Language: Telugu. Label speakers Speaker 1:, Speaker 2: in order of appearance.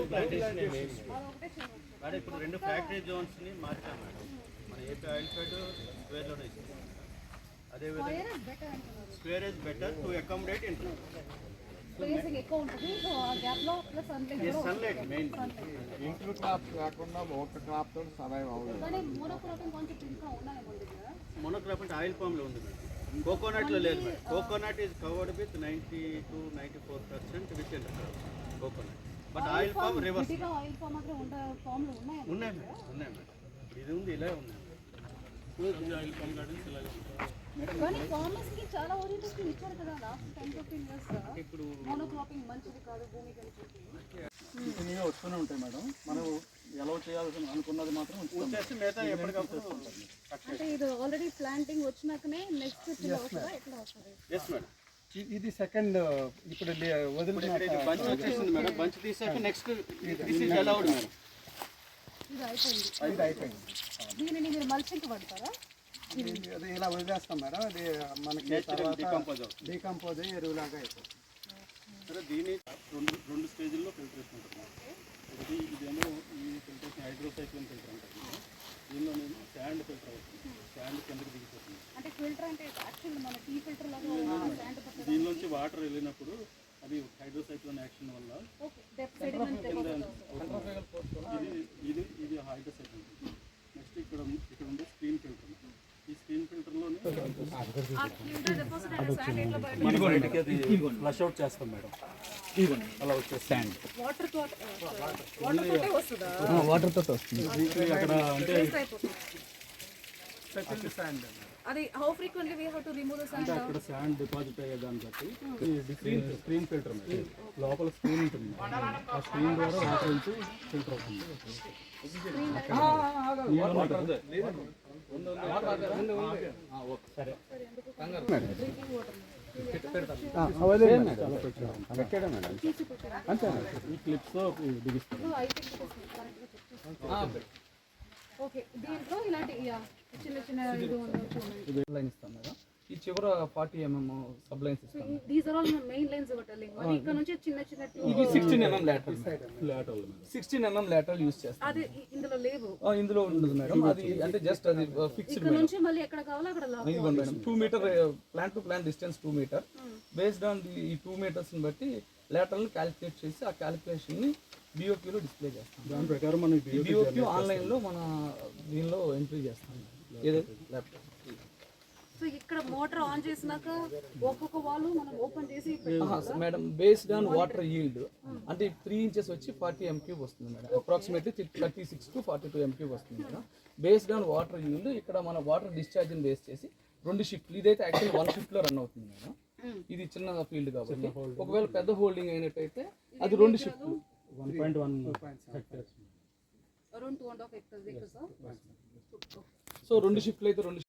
Speaker 1: ప్లాంటేషన్ మేడం ఇప్పుడు 2 ఫ్యాక్టరీ జోన్స్ని మార్చాం మేడం. మన ఏపీ ఆయిల్ ఫెడ్ స్క్వేర్లోనే ఇస్తుంది. అదేవిధంగా square is better to accommodate interest.
Speaker 2: Spacing ఎక్కువ ఉంటుంది. సో ఆ గ్యాప్ లో plus
Speaker 1: sunlight main.
Speaker 3: Intercrop కాకుండా ఒక క్రాప్ తో సర్వైవ్ అవ్వలేదు.
Speaker 2: కానీ మోనోక్రాపింగ్ కాన్సెప్ట్ ఇంకా ఉన్నాయి కదా.
Speaker 1: మోనోక్రాపింగ్ ఆయిల్ పామ్ లో ఉంది మేడం. కోకోనట్ లో లేదు madam. Coconut is covered with 90 to 94% with intercrop coconut. But oil palm reverse.
Speaker 2: Oil palm మాత్రం ఉండే ఫామ్ లో ఉన్నాయి
Speaker 1: మేడం. ఇది ఉంది, ఇలా ఉంది ఆయిల్ పామ్ గార్డెన్స్ ఇలా.
Speaker 2: కానీ ఫార్మర్స్ కి చాలా ఓరియంటేషన్ ఇచ్చారు కదా లాస్ట్ 10-15 ఇయర్స్. ఇప్పుడు మోనోక్రాపింగ్ మంచిది కాదు భూమికి అని చెప్పి
Speaker 3: వస్తూనే ఉంటాయి మేడం. మనం ఎలా చేయాల్సి అనుకున్నది మాత్రం
Speaker 1: వచ్చేసి మిగతా ఎప్పటికప్పుడు
Speaker 2: అంటే ఇది ఆల్రెడీ ప్లాంటింగ్ వచ్చినాకనే నెక్స్ట్ వస్తుందా ఎట్లా వస్తుంది?
Speaker 1: Yes madam.
Speaker 3: ఇది సెకండ్ ఇప్పుడు వదిలిన
Speaker 1: బంచ్ వచ్చేసింది మేడం. బంచ్ తీసాక next this is allowed madam.
Speaker 2: ఇది అయిపోయింది. దీనిని మీరు మల్చింగ్ పడతారా?
Speaker 3: అది ఇలా వదిలేస్తాం మేడం. అది మనకి డీకంపోజ్ అయ్యి ఎరువులాగా అయిపోతుంది.
Speaker 1: సరే దీన్ని రెండు స్టేజ్ల్లో ఫిల్టరేషన్ ఉంటుంది. ఒకటి ఇదేమో ఈ ఫిల్టరేషన్ హైడ్రోసైక్లోన్ ఫిల్టర్ ఉంటుంది. దీనిలోనేమో శాండ్ ఫిల్టర్ అవుతుంది. శాండ్ కిందకి దిగిపోతుంది.
Speaker 2: అంటే ఫిల్టర్ అంటే యాక్చువల్ మన టీ ఫిల్టర్ లాగా శాండ్ పడుతుంది.
Speaker 1: దీనిలోంచి వాటర్ వెళ్ళినప్పుడు అది హైడ్రోసైక్లోన్ యాక్షన్ వల్ల ఇది ఇది హైడ్రోసైక్లోన్. నెక్స్ట్ ఇక్కడ ఉండే స్క్రీన్ ఫిల్టర్. ఈ స్క్రీన్ ఫిల్టర్లోనే ఫ్లష్ అవుట్ చేస్తాం మేడం. అలా వచ్చే శాండ్ వాటర్తో వస్తుంది. అక్కడ అంటే శాండ్
Speaker 2: అది how frequently we have to remove the sand.
Speaker 1: అక్కడ శాండ్ డిపాజిట్ అయ్యే దాన్ని బట్టి స్క్రీన్ ఫిల్టర్ లోపల స్క్రీన్ ఉంటుంది. ఆ స్క్రీన్ ద్వారా వాటర్ నుంచి ఫిల్టర్ అవుతుంది. సరే ఈ క్లిప్స్ బిగిస్తారు.
Speaker 2: ఓకే దీంట్లో ఇలాంటి చిన్న చిన్న
Speaker 4: ఇది లైన్ ఇస్తాం మేడం. ఈ చివర 40 mm సబ్ లైన్స్ ఇస్తాం.
Speaker 2: These are all main lines of telling. మరి ఇక్కడ నుంచి చిన్న చిన్న
Speaker 4: ఇది 16 mm lateral 16 mm lateral use చేస్తాం.
Speaker 2: అది ఇందులో లేవు.
Speaker 4: ఇందులో ఉండదు మేడం. అది అంటే జస్ట్ అది ఫిక్స్డ్.
Speaker 2: ఇక్కడ నుంచి మళ్ళీ ఎక్కడ కావాలో అక్కడ లాక్.
Speaker 4: ఇదిగోండి madam. 2 metre plant to plant distance 2 metre. Based on ఈ 2 మీటర్స్ ని బట్టి లాటరల్ ని క్యాలిక్యులేట్ చేసి ఆ క్యాలిక్యులేషన్ ని BOQ లో డిస్ప్లే చేస్తాం.
Speaker 1: దాని ప్రకారం మనం
Speaker 4: BOQ ఆన్లైన్ లో మన దీనిలో ఎంట్రీ చేస్తాం ఏదైతే ల్యాప్టాప్.
Speaker 2: సో ఇక్కడ మోటార్ ఆన్ చేసినాక ఒక్కొక్క వాల్ మనం ఓపెన్ చేసి
Speaker 4: madam based on water yield అంటే 3 ఇంచెస్ వచ్చి 40 m³ వస్తుంది మేడం. అప్రాక్సిమేట్లీ 36 to 42 m³ వస్తుంది madam. Based on water yield ఇక్కడ మన వాటర్ డిశ్చార్జ్ని బేస్ చేసి 2 షిఫ్ట్లు. ఇదైతే యాక్చువల్ 1 షిఫ్ట్లో రన్ అవుతుంది మేడం. ఇది చిన్న ఫీల్డ్ కాబట్టి ఒకవేళ పెద్ద హోల్డింగ్ అయినట్టయితే అది 2 షిఫ్ట్లు
Speaker 1: 1.1 హెక్టర్స్
Speaker 2: అరౌండ్ 2.5 hectares.
Speaker 4: సో 2 షిఫ్ట్లు అయితే 2